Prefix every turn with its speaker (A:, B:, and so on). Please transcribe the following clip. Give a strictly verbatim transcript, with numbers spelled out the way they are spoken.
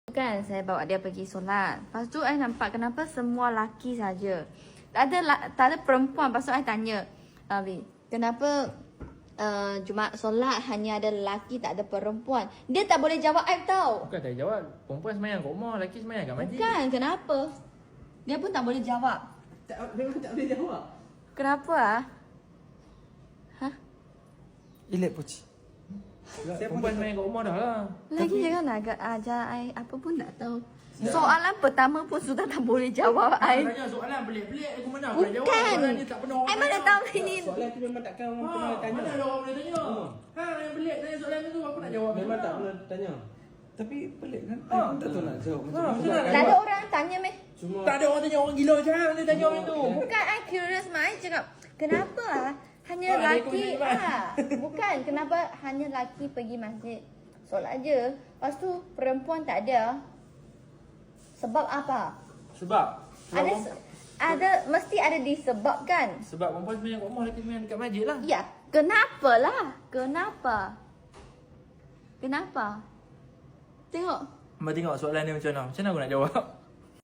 A: Kan saya bawa dia pergi solat. Lepas tu saya nampak kenapa semua laki saja. Tak ada tak ada perempuan. Lepas tu saya tanya, Abi, kenapa uh, Jumaat solat hanya ada lelaki tak ada perempuan? Dia tak boleh jawab I tau.
B: Bukan tak jawab. Perempuan semayang kat rumah, lelaki semayang kat masjid.
A: Bukan, kenapa? Dia pun tak boleh jawab.
C: Tak, memang tak boleh jawab.
A: Kenapa ah? Hah?
D: Ilet poci.
B: Perempuan semayang kat rumah dah lah.
A: Lagi jangan agak ajar I apa pun tak tahu. Soalan pertama pun sudah tak boleh jawab I.
B: Tanya soalan pelik-pelik aku mana aku nak jawab.
A: Bukan.
B: Soalan ni tak pernah orang
A: I mana
B: tanya.
A: tahu ini.
C: Soalan tu memang takkan orang
B: Ha,
C: pernah tanya.
B: mana ada orang boleh tanya? Ha, yang pelik tanya soalan tu aku nak jawab.
C: Memang tak pernah tanya.
D: Tapi pelik kan?
B: Ah.
D: I pun tak tahu nak jawab macam
B: Ah,
D: mana.
B: betul tak?
A: Tak ada orang tanya meh.
C: Cuma
B: Tak ada orang tanya, orang gila macam mana dia tanya orang tu.
A: Bukan, I curious mah. I cakap, kenapa ah hanya
B: Oh, ada
A: lelaki
B: ikut je,
A: ah? Bukan, kenapa hanya lelaki pergi masjid solat je. Lepas tu perempuan tak ada. Sebab apa?
B: Sebab
A: Ada
B: sebab,
A: se- ada mesti ada disebabkan.
B: sebab perempuan semayang kat rumah, lelaki semayang dekat masjid lah.
A: Ya, kenapa lah? Kenapa? Kenapa? Tengok.
B: Mbak tengok soalan ni macam mana. Macam mana aku nak jawab?